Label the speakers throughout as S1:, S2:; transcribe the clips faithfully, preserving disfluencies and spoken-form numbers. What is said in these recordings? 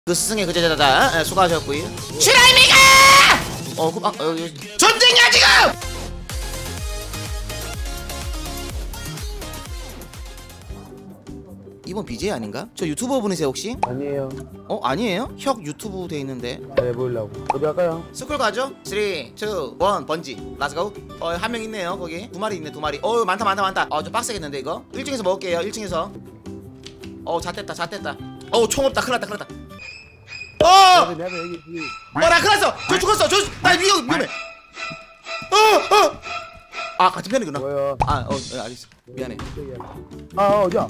S1: 그 스승의 그 제자다. 예, 수고하셨고요. 슈라이미가! 어, 그, 아, 어, 전쟁이야 지금! 이번 비제이 아닌가? 저 유튜버 분이세요 혹시?
S2: 아니에요.
S1: 어? 아니에요? 혁 유튜브 돼 있는데.
S2: 네, 보이려고. 어디 갈까요?
S1: 스쿨 가죠? 삼, 이, 일 번지 렛츠고. 어, 한 명 있네요 거기. 두 마리 있네 두 마리. 어, 많다 많다 많다. 어, 좀 빡세겠는데 이거? 일 층에서 먹을게요 일 층에서. 어, 잣됐다 잣됐다. 어, 총 없다 큰일 났다 큰일 났다. 어!
S2: 내가 여기 여기.
S1: 어, 나 큰일 났어! 저 죽었어! 저, 나 위험, 위험해! 어! 어! 아, 같은 편이구나.
S2: 뭐야?
S1: 아, 어, 어, 알겠어. 미안해.
S2: 아, 어디야?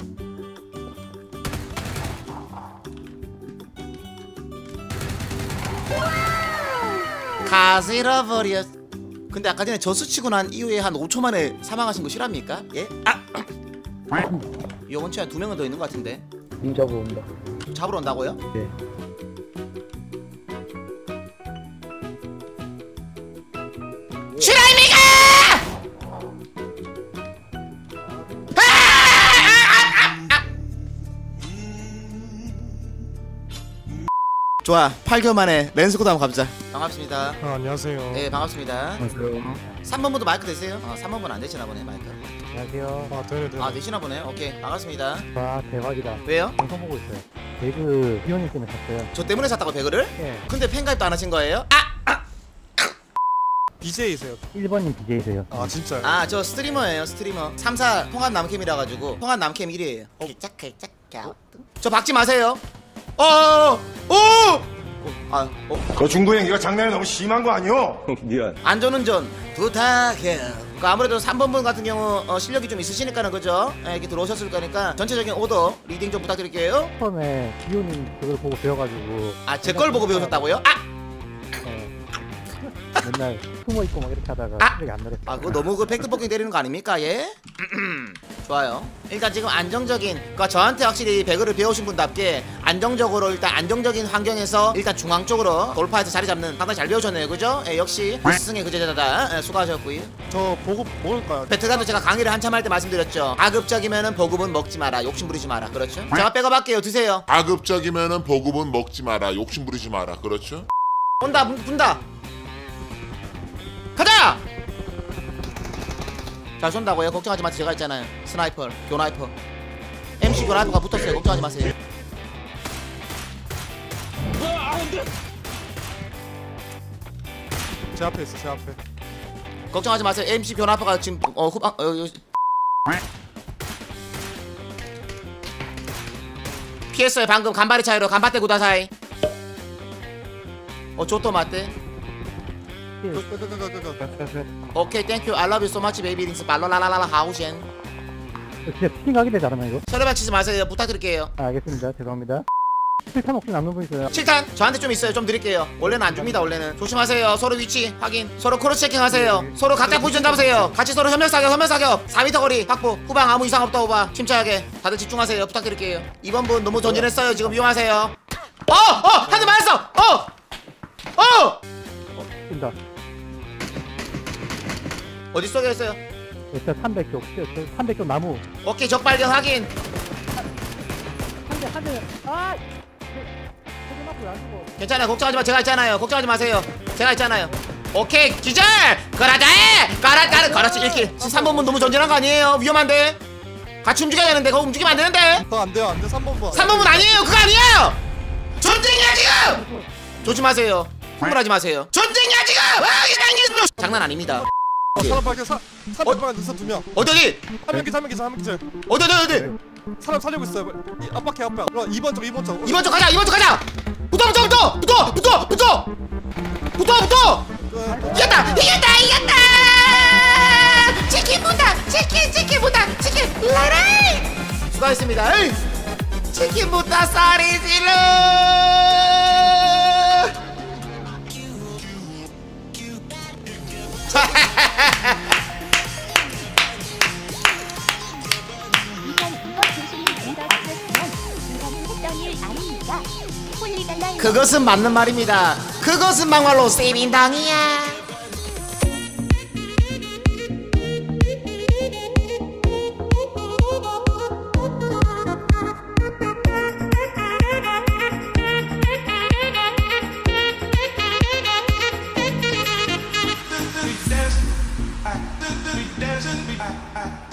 S1: 가스 잃어버렸. 근데 아까 전에 저수 치고 난 이후에 한 오 초 만에 사망하신 거 실합니까? 예? 아! 이 원치한 두 명은 더 있는 것 같은데.
S2: 님 잡으러 온다.
S1: 잡으러 온다고요?
S2: 네.
S1: 슈라이미가! 좋아, 팔 개월 만에 랜스코드 한번 가보자. 반갑습니다.
S3: 아, 안녕하세요.
S1: 네, 반갑습니다.
S2: 안녕하세요.
S1: 삼 번분도 마이크 되세요? 어, 삼 번분 안 되시나 보네, 마이크.
S2: 안녕하세요.
S3: 아, 되네, 되네.
S1: 아, 되시나 보네. 오케이, 반갑습니다.
S2: 와, 대박이다.
S1: 왜요?
S2: 방송 보고 있어요. 배그 비오님 때문에 샀어요.
S1: 저 때문에 샀다고 배그를?
S2: 예.
S1: 근데 팬가입도 안 하신 거예요? 아!
S3: 비제이세요?
S2: 일 번님 비제이세요.
S3: 아, 진짜요?
S1: 아, 저 스트리머예요, 스트리머. 삼 사 통합 남캠이라 가지고 통합 남캠 일 위에요. 저 박지 마세요. 어! 어! 어! 아, 어?
S4: 그 중구 행기가 장난이 너무 심한 거 아니오? 미안.
S1: 안전운전 부탁해요. 그 아무래도 삼 번분 같은 경우 어, 실력이 좀 있으시니까는 그죠? 예, 이렇게 들어오셨을 거니까 전체적인 오더 리딩 좀 부탁드릴게요.
S2: 처음에 비오님 그걸 보고 배워가지고.
S1: 아, 제 걸 보고 배우셨다고요? 아!
S2: 네. 맨날 숨어 있고 막 이렇게 하다가
S1: 아!
S2: 실력이 안 늘었어요.
S1: 아, 그거 너무 그 팩트 포킹 때리는 거 아닙니까? 예? 좋아요. 일단 지금 안정적인, 그러니까 저한테 확실히 배그를 배우신 분답게 안정적으로 일단 안정적인 환경에서 일단 중앙 쪽으로 돌파해서 자리 잡는 상당히 잘 배우셨네요, 그죠? 예, 역시 스승의 그 제자다. 예, 수고하셨고요.
S3: 저 보급 먹을까요?
S1: 배틀가도 제가 강의를 한참 할 때 말씀드렸죠. 가급적이면은 보급은 먹지 마라, 욕심 부리지 마라, 그렇죠? 제가 백업할게요, 드세요.
S5: 가급적이면은 보급은 먹지 마라, 욕심 부리지 마라, 그렇죠?
S1: 온다, 분- 분다. 가자! 잘 쏜다고요? 걱정하지 마세요. 제가 있잖아요. 스나이퍼, 교나이퍼. 엠씨 교나이퍼가 붙었어요. 걱정하지 마세요.
S3: 제 앞에 있어, 제 앞에.
S1: 걱정하지 마세요. 엠씨 교나이퍼가 지금 어 후방 어, 어, 피했어요. 방금 간발의 차이로 간바테 구다사이. 어 조또 맞대. 오케이 땡큐 I love you so much baby 링스 발로라라라 하우젠.
S2: 진짜 피팅하게 되지 않았나 이거?
S1: 서류발 치지 마세요. 부탁드릴게요.
S2: 아, 알겠습니다. 죄송합니다. 실탄 혹시 남는 분 있어요?
S1: 칠탄 저한테 좀 있어요. 좀 드릴게요. 원래는 안 줍니다. 원래는 조심하세요. 서로 위치 확인. 서로 크로스 체킹 하세요. 서로 각자 포지션 잡으세요. 같이 서로 협력 사격 협력 사격. 사 미터 거리 확보. 후방 아무 이상 없다 오바. 침착하게 다들 집중하세요. 부탁드릴게요. 이번 분 너무 전진했어요. 지금 위험하세요. 어! 어! 한 대 맞았어! 어! 어!
S2: 뛴다.
S1: 어디 쏘게 했어요?
S2: 일단 삼백 쪽. 삼백 쪽 나무.
S1: 오케이 적 발견 확인.
S2: 한 대, 한 대. 아! 저기 맞고 안 죽어.
S1: 괜찮아요. 걱정하지 마. 제가 있잖아요. 걱정하지 마세요. 제가 있잖아요. 오케이 기절! 그라다! 가라 가라 그렇지 일 킬. 삼 번분 너무 전진한 거 아니에요? 위험한데? 같이 움직여야 되는데 그거 움직이면 안 되는데?
S3: 더 안 돼요, 안 돼. 삼 번 번.
S1: 삼 번분 아니에요. 그거 아니에요. 전쟁이야 지금. 조심하세요. 흥분하지 마세요. 전쟁이야 지금. 아, 장난 아닙니다.
S3: 어, 사람 밖에 사, 사람 밖에 있어 두 명.
S1: 어디 어디
S3: 한 명 기자, 한 명 기자, 한 명 기자.
S1: 어디 어디 어디.
S3: 사람 살리고 있어요. 이 앞바퀴 앞에. 그럼 이 번 쪽, 이 번 쪽.
S1: 이번 쪽 가자. 이번 쪽 가자. 붙어 붙어 붙어 붙어 붙어 붙어 붙어 붙어. 이겼다 이겼다 이겼다. 치킨 본다. 치킨 치킨 본다. 치킨 라라이. 수고하셨습니다. 에이. 치킨 본다 쌀이 질러. 그것은 맞는 말입니다. 그것은 막말로 세빈당이야.
S6: desert, desert.